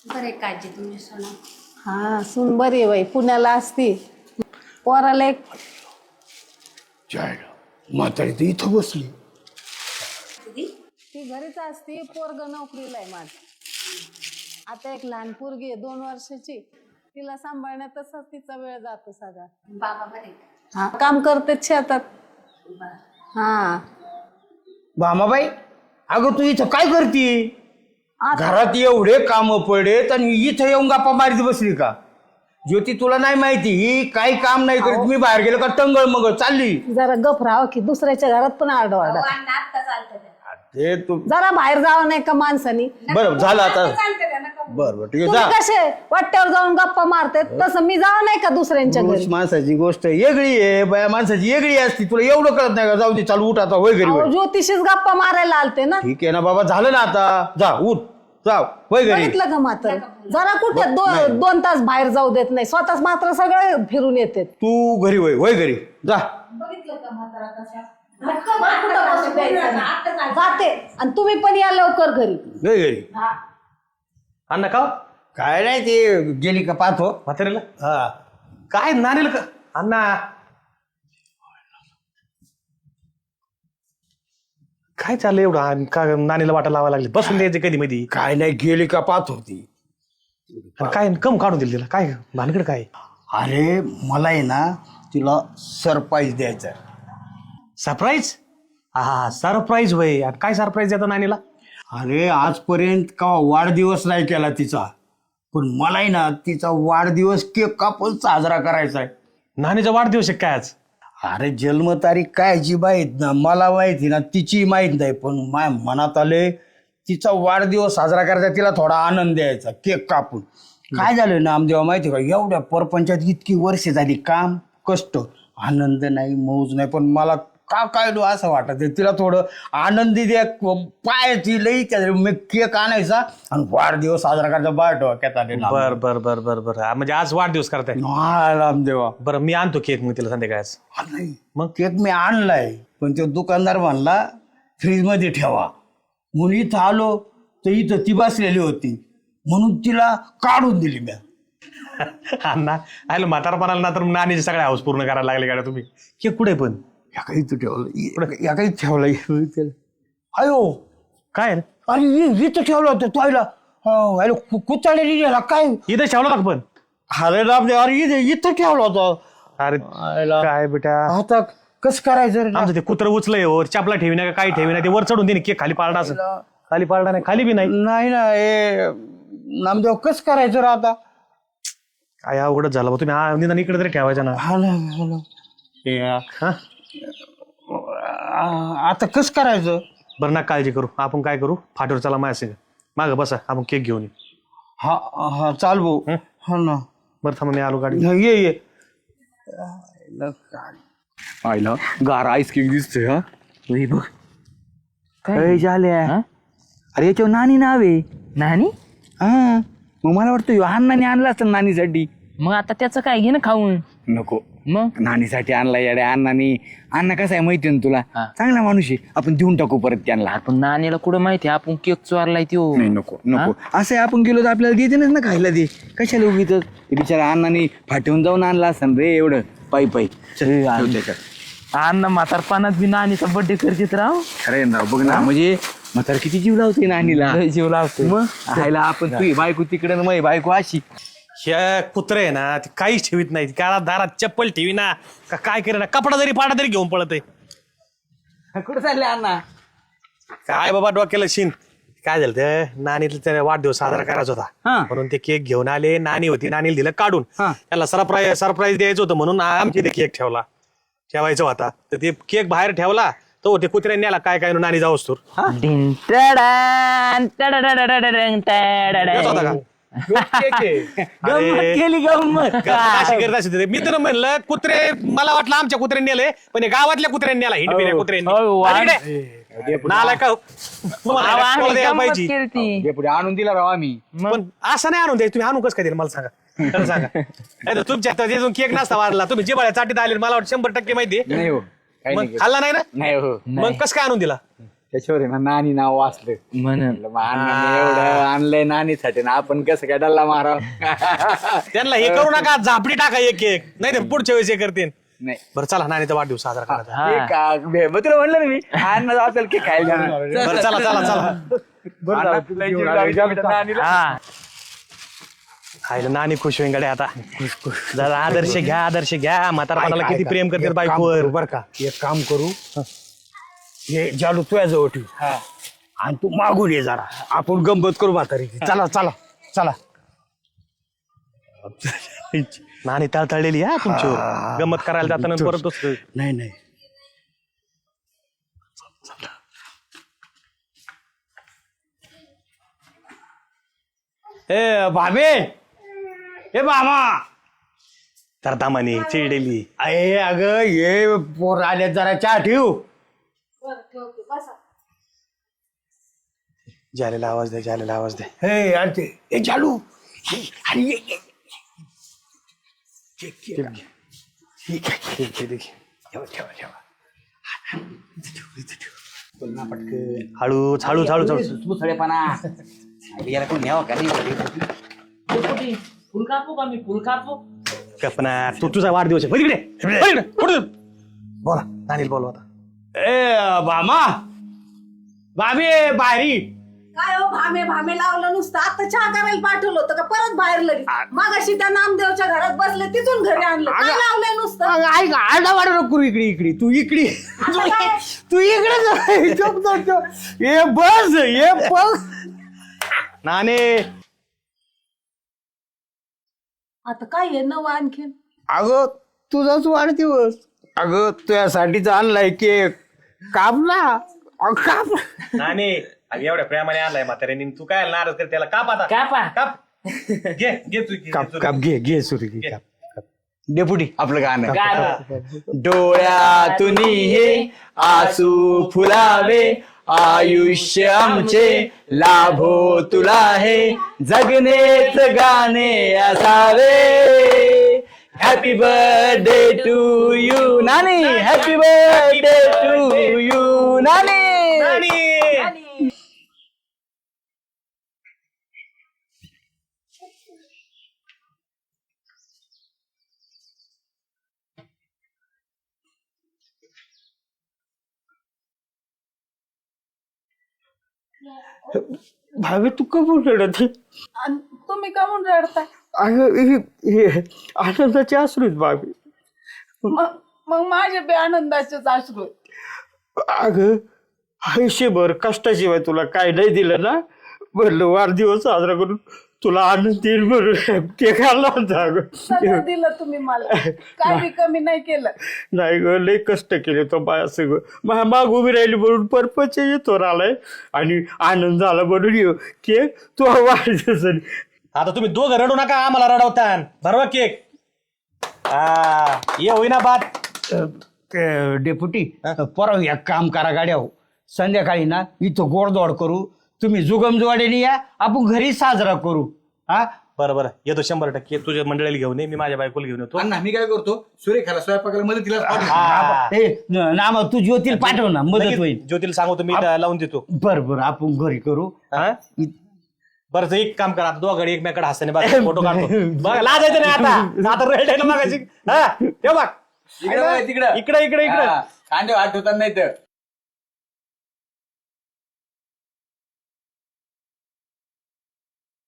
बरे काळजी तुमची सोना. हा सून बरी आहे बाई, पुण्याला असती. पोराला एक जायला म्हातारी तर इथं बसली. ती घरीच असती, पोरग नोकरीला आहे माझ. आता एक लहान पोरगी आहे 2 वर्षाची, तिला सांभाळण्यातच तिचा वेळ जातो सगळा. बाबा बरे. हा काम करते शेतात. हा भामाबाई, अगं तू इथं काय करती? आता घरात एवढे काम पडेत आणि इथं येऊन गप्पा मारीत बसली का? ज्योती तुला नाही माहिती ही काही काम नाही करीत. मी बाहेर गेलो का टंगळ मग चालली. जरा गप राहावं की दुसऱ्याच्या घरात पण आरडाओरडा. आता चालतं त्या. ते तू जरा बाहेर जावं नाही का माणसानी? बरं झालं आता. चालतं त्या नका. बरं ठीक आहे तुम्ही जा. कसे वाट्यावर जाऊन गप्पा मारते तसं मी जावं नाही का दुसऱ्यांच्या घरी? पुरुष माणसाची गोष्ट वेगळी आहे, बाया माणसाची वेगळी असती. तुला एवढं कळत नाही का? जाऊ दे, चालू उठ आता, होय घरी अहो, होय. ज्योतिषीच गप्पा मारायला आलते ना. ठीक आहे ना बाबा, झालं ना आता. जा उठ, जाव होय घरी. बघितलं का मात्र जरा कुठे 2 तास बाहेर जाऊ देत नाही, स्वतःच मात्र सगळं फिरून येते. तू घरी होय, होय घरी जा. बघितलं का म्हातारा कशा? जाते आणि तुम्ही पण या लवकर घरी. होय घरी. अण्णा का काय नाही, ते गेली का पाहतो. म्हातारीला हा काय नानीला का अण्णा काय चाललंय एवढं का नानीला वाटा लावायला लागली? बसून द्यायचे कधी मध्ये काय नाही, गेली का पाहतो ती. काय कम काढून दिली तिला? काय भानगड काय? अरे मला आहे ना तिला सरप्राईज द्यायचा. सरप्राईज? हा सरप्राईज होय. आणि काय सरप्राईज देतो नानीला? अरे आजपर्यंत का वाढदिवस नाही केला तिचा, पण मला आहे ना तिचा वाढदिवस केक कापून साजरा करायचा आहे. नानीचा वाढदिवस आहे काय आज? अरे जन्मतारीख काय जी माहीत ना, मला माहिती ना, तिची माहीत नाही, पण माझ्या मनात आले तिचा वाढदिवस साजरा करायचा, तिला थोडा आनंद द्यायचा केक कापून. काय झालं ना आमदेवा माहिती का, एवढ्या परपंचात इतकी वर्ष झाली, काम कष्ट, आनंद नाही, मौज नाही, पण मला का काय असं वाटत तिला थोडं आनंदी द्या. पायाची लई मी केक आणायचा आणि वाढदिवस साजरा करायचा. बाय डोक्यात आले ना. बर बर बर बर बर म्हणजे आज वाढदिवस करताय? हा रामदेवा. बरं मी आणतो केक मग तिला संध्याकाळच. नाही मग केक मी आणलाय, पण तो दुकानदार म्हणला फ्रीज मध्ये ठेवा. म्हणून इथं आलो तर इथं ती बसलेली होती, म्हणून तिला काढून दिली मी. अण्णा आलो म्हातारपणाला ना तर नानीचे सगळे हाऊस पूर्ण करायला लागले का तुम्ही? केक कुठे पण या काही ठेवलं, या काही ठेवलं. अयो काय अरे इथं ठेवलं होतं तोयला. कुचाळलेली गेला काय? इथं ठेवलं का पण? अरे रामदेव, अरे इथं ठेवलं होतं. अरे काय बेटा, आता कसं करायचं रे? आमचं ते कुत्र उचलंय वर चपला ठेवी ना काही ठेवी ना, ते वर चढून दे केक खाली पाळला असं. खाली पाळला नाही, खाली बी नाही. नाही ना हे नामदेव, कसं करायचं रे आता? काय अवघडच झालं बा. तुम्ही निदान इकडे तरी ठेवायचं ना. हा ना. हा आता कसं करायचं? बरं ना, काळजी करू. आपण काय करू, फाटीवर चला माझ्या संग, मागं बसा, आपण केक घेऊन येऊ. हा हा चाल भाऊ. हा ना. बरं थांबा मी आलो गाडी. ये आईला गार आईस केक दिसतोय. हा बघ काय झाल्या. अरे याच्यावर नानी नाव आहे. नानी? हा मग मला वाटतं ह्यो अण्णाने आणला असतं नानीसाठी. मग आता त्याचं काय घे ना खाऊन. नको, मग नानीसाठी आणला येड्या अण्णाने. अण्णा कसा आहे माहिती ना तुला, चांगला माणूस आहे. आपण देऊन टाकू परत त्यांना. आपण नानीला कुठं माहिती आपण केक चोरलाय त्यो. नाही नको नको, असं आहे आपण गेलो तर आपल्याला देते ना खायला. ते कशाला उगीच ते बिचारा अण्णाने फाटून जाऊन आणला असं रे एवढं पायी पायी. अण्णा म्हातारपणात बी नानीचा बर्थडे करतेत राव. खरं ना, बघ ना, म्हणजे म्हातारा किती जीव लावते नानीला. लय जीव लावतो. मग खायला आपण तुझी बायको तिकडे ना, माझी बायको अशी. ह्या कुत्रे आहे ना ते काहीच ठेवीत नाही. काळा दारात चप्पल ठेवी ना का काय करे ना, कपडा जरी पाडा तरी घेऊन पळत आहे. कुठं चालले अण्णा? काय बाबा डोक्याला शिन. काय झालं ते नानीला वाढदिवस साजरा करायचा होता, म्हणून ते केक घेऊन आले. नानी होती, नानीला दिलं काढून. त्याला सरप्राईज द्यायचं होतं म्हणून आमची ते केक ठेवायचा होता. तर ते केक बाहेर ठेवला तो ते कुत्र्यांनी आला काय काय नानी जाऊस तर डिन टडान, टडाडाडाडाडान, टडाडान. होता का? गंमत केली गंमत. अशी करत असेल. मी तर म्हणलं कुत्रे, मला वाटलं आमच्या कुत्र्यांनी नेले, पण हे गावातल्या कुत्र्यांनी आला. हिंडपिऱ्या कुत्र्यांनी. नालाय का तुम्हाला आम्ही कोणाला द्यायला गंमत पाहिजे. केलती. पुढे आणून दिला राव आम्ही. पण असं नाही आणून द्यायचं. तुम्ही आणून कसं काय दिलं मला सांगा. खरं सांगा. नाही तर तुमच्या त्यातून केक नसता वाढला. तुम्ही जिबाळ्या चाटीत आले मला वाटतं 100% माहिती. नाही हो, काही मग नाही. खाल्ला नाही ना, नाही हो. मग कसं काय आणून दिला? त्याच्यावर आहे ना नानी नाव वाचलं म्हणून म्हणलं, मग अण्णाने एवढं आणलंय नानीसाठी ना आपण कसं काय डल्ला माराव त्यांना हे करू नका, झापडी टाका एक एक, नाही तर पुढच्या वेळेस हे करतील. नाही बरं चला, नानीचा वाढदिवस साजरा करायचा. हा. केक मग तुला म्हणलं ना मी अण्णा असेल की खायला जाणार. बरं चला चला चला. अण्णा तुला जीव लावायचा आमच्या नानीला. हा खायला नानी खुश होईन गड्या आता. जरा आदर्श घ्या म्हातारपणाला किती प्रेम करते बायकोवर. बर का, एक काम करू, हे जालू तुझ्या जवळ ठेव आणि तू मागून ये जरा, आपण गंमत करू म्हातारी. चला चला चला. नानी तळतळलेली हा तुमच्यावर, गमत करायला जाताना परत दुसरं. नाही नाही, ए भाबे, ए मामा, तर दामाने चिडलेली. अरे अगं ये पोर आले, जरा चहा ठेव. बरं ठेवते बसा. जालेला आवाज दे. हे अरे ते ए जालू, अरे ये. हळू. मुसळेपणा याला कोण न्यावं का नाही? फुल कापू का मी? फुल कापू? कल्पना, तू तुझा वाढदिवस आहे. इकडे. बोला, नानीला बोलवा आता. ए मामा, भाभी बाहेरी. काय हो भामे लावलं नुसतं, आता चहा करायला पाठवलं होतं का परत बाहेर लगेच? मागाशी त्या नामदेवच्या घरात बसले, तिथून घरी आणलं. काय लावलंय नुसतं? अगं, ऐक, आरडा वाडा नको इकडे तू इकडे तू इकडे जा. ये बस. नाने, आता काय आहे नवं आणखीन? अगं तुझाच वाढदिवस, अगं तुझ्यासाठीच आणलाय केक. काप ना, काप. नाने, अगं एवढ्या प्रेमाने आणलाय म्हाताऱ्याने, तू काय नाराज कर त्याला. काप आता, कापा. काप. घे तू काप घे सुरू घे. डेपुटी आपलं गाणं गाणं. डोळ्यातून हे आसू फुलावे, आयुष्य आमचे लाभो तुला हे, जगणेच गाणे असावे. हॅपी बर्थडे टू यू नानी, हॅपी बर्थडे टू यू नानी. भाभी तू कमून रडत? आणि तुम्ही का म्हणून रडताय? अगं हे आनंदाचे अश्रूच भाभी. मग माझे बे आनंदाचेच अश्रू आहेत. अगं आयुष्यभर कष्टाशिवाय तुला काय नाही दिलं ना, म्हणलं वाढदिवस साजरा करून तुला आनंद येईल म्हणून ते खाल्ला होता. अगं सगळं दिलं तुम्ही मला, काय बी कमी नाही केलं. नाही ग, लय कष्ट केले तो बाया सगळं. माग उभी राहिली म्हणून परपच येतो आलाय आणि आनंद झाला म्हणून येऊ केक तो वाढदिवस. आता तुम्ही दोघं रडू नका, आम्हाला रडवतान. भरवा केक. ये होईना बात. डेप्युटी परवा एक काम करा गाड्या, हो संध्याकाळी ना इथं गोडदोड करू, तुम्ही जुगमजुवाडीने या, आपण घरी साजरा करू. हा बरं येतो 100%. तुझ्या मंडळीला घेऊन ये, मी माझ्या बायकोला घेऊन येतो. अण्णा मी काय करतो, सुरेखाला स्वयंपाकाला मदतीला नाम तू ज्योतील पाठव ना, मदत होईल. ज्योतीला सांगतो मी, लावून देतो. बरं आपण घरी करू. बरं एक काम करा, आता दोघांनी एकमेकडे हसताना बघा, फोटो काढतो. बघा लाजायचं नाही आता रेड मागायची. हा ठेव बघ तिकडे इकडे कांदे वाट होतात नाही तर